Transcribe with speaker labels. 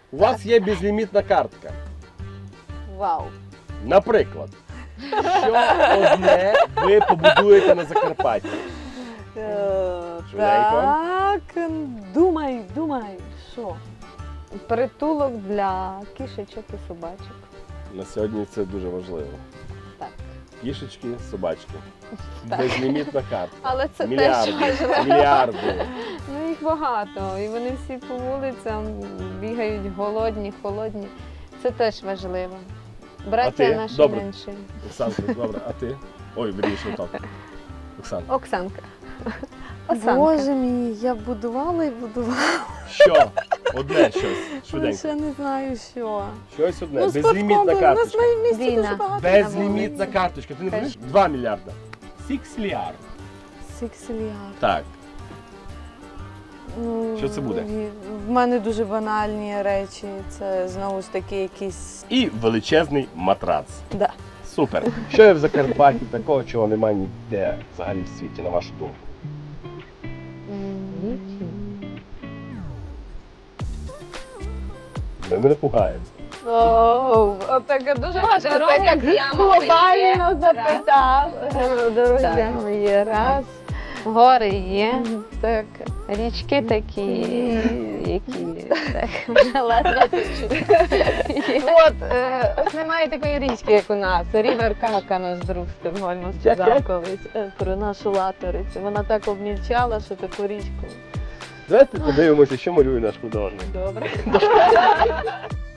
Speaker 1: У вас є безлімітна картка.
Speaker 2: Вау.
Speaker 1: Наприклад, що одне ви побудуєте на Закарпатті? Швиденько.
Speaker 2: Так, думай, що? Притулок для кішечок і собачок.
Speaker 1: На сьогодні це дуже важливо.
Speaker 2: Так.
Speaker 1: Кішечки, собачки.
Speaker 2: Так.
Speaker 1: Безлімітна картка.
Speaker 2: Але це
Speaker 1: Мільярди.
Speaker 2: теж важливо.
Speaker 1: Мільярди.
Speaker 2: Ну їх багато, і вони всі по вулицям бігають голодні, холодні. Це теж важливо.
Speaker 1: А
Speaker 2: Браття
Speaker 1: ти?
Speaker 2: наші
Speaker 1: Добре.
Speaker 2: менші.
Speaker 1: Оксанка, добре, а ти? Ой, вірніше, так. Оксана.
Speaker 2: Оксанка. Оксанка.
Speaker 3: Боже мій, я будувала і будувала.
Speaker 1: Що? Одне щось.
Speaker 3: Я
Speaker 1: Швиденько.
Speaker 3: ще не знаю, що.
Speaker 1: Щось одне.
Speaker 3: Ну,
Speaker 1: Безлімітна
Speaker 3: спорткомплекс. У нас в
Speaker 1: карточка.
Speaker 3: моєму місті
Speaker 2: Війна.
Speaker 3: дуже багато.
Speaker 1: Безлімітна карточка. Ти не
Speaker 2: Теж.
Speaker 1: розумієш? 2 мільярда. Сіксліар.
Speaker 3: Сикселіар.
Speaker 1: Так.
Speaker 3: Ну,
Speaker 1: Що це буде?
Speaker 3: В мене дуже банальні речі. Це знову ж таки якісь.
Speaker 1: І величезний матрац.
Speaker 3: Да.
Speaker 1: Супер. Що є в Закарпатті такого, чого немає ніде взагалі в світі, на вашу думку? Ми мене пугаємо.
Speaker 2: Отаке дуже глобально запитав. Дорогі мої, раз. Гори є, так, річки такі, які так, ладно. От, ось немає такої річки, як у нас. Рівер Кака наш друг Стокгольму сказав колись про нашу латорицю. Вона так обмільчала, що таку річку.
Speaker 1: Давайте подивимося, що малює наш художник.
Speaker 2: Добре.